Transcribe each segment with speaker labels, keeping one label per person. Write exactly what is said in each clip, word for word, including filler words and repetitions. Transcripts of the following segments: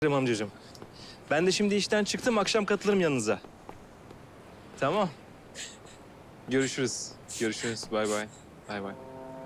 Speaker 1: amcacığım. Ben de şimdi işten çıktım, akşam katılırım yanınıza. Tamam. Görüşürüz. Görüşürüz. Bay bay. Bay bay.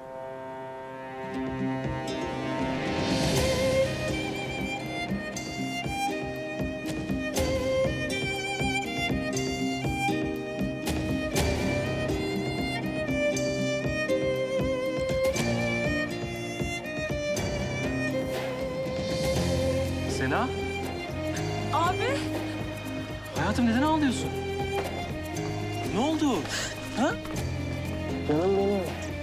Speaker 1: Sena,
Speaker 2: Abi.
Speaker 1: hayatım neden ağlıyorsun? Ne oldu? Ha? Canım benim.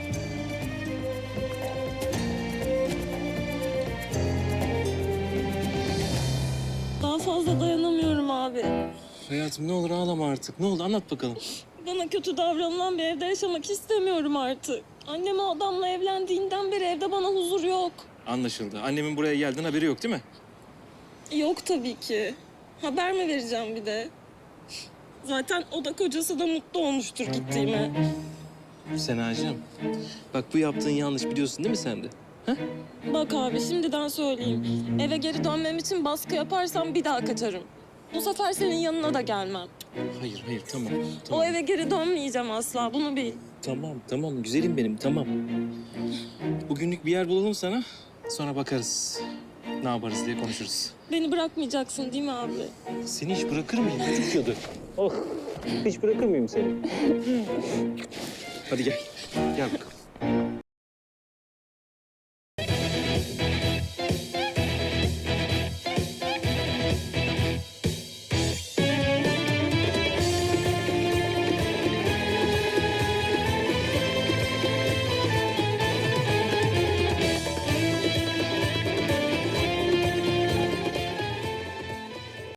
Speaker 2: Daha fazla dayanamıyorum abi.
Speaker 1: Hayatım ne olur ağlama artık. Ne oldu anlat bakalım.
Speaker 2: Bana kötü davranılan bir evde yaşamak istemiyorum artık. Annem o adamla evlendiğinden beri evde bana huzur yok.
Speaker 1: Anlaşıldı. Annemin buraya geldiğin haberi yok değil mi?
Speaker 2: Yok tabii ki. Haber mi vereceğim bir de? Zaten o da kocası da mutlu olmuştur gittiğime.
Speaker 1: Senacığım, bak bu yaptığın yanlış biliyorsun değil mi sen de? Ha?
Speaker 2: Bak abi şimdiden söyleyeyim. Eve geri dönmem için baskı yaparsam bir daha kaçarım. Bu sefer senin yanına da gelmem.
Speaker 1: Hayır, hayır tamam.
Speaker 2: O
Speaker 1: Tamam,
Speaker 2: eve geri dönmeyeceğim asla, bunu bil.
Speaker 1: tamam, tamam. Güzelim benim, tamam. Bugünlük bir yer bulalım sana. Sonra bakarız. Ne yaparız diye konuşuruz.
Speaker 2: Beni bırakmayacaksın değil mi abi?
Speaker 1: Seni hiç bırakır mıyım? Çocuk yadı. Oh, hiç bırakır mıyım seni? Hadi gel. Gel bakalım.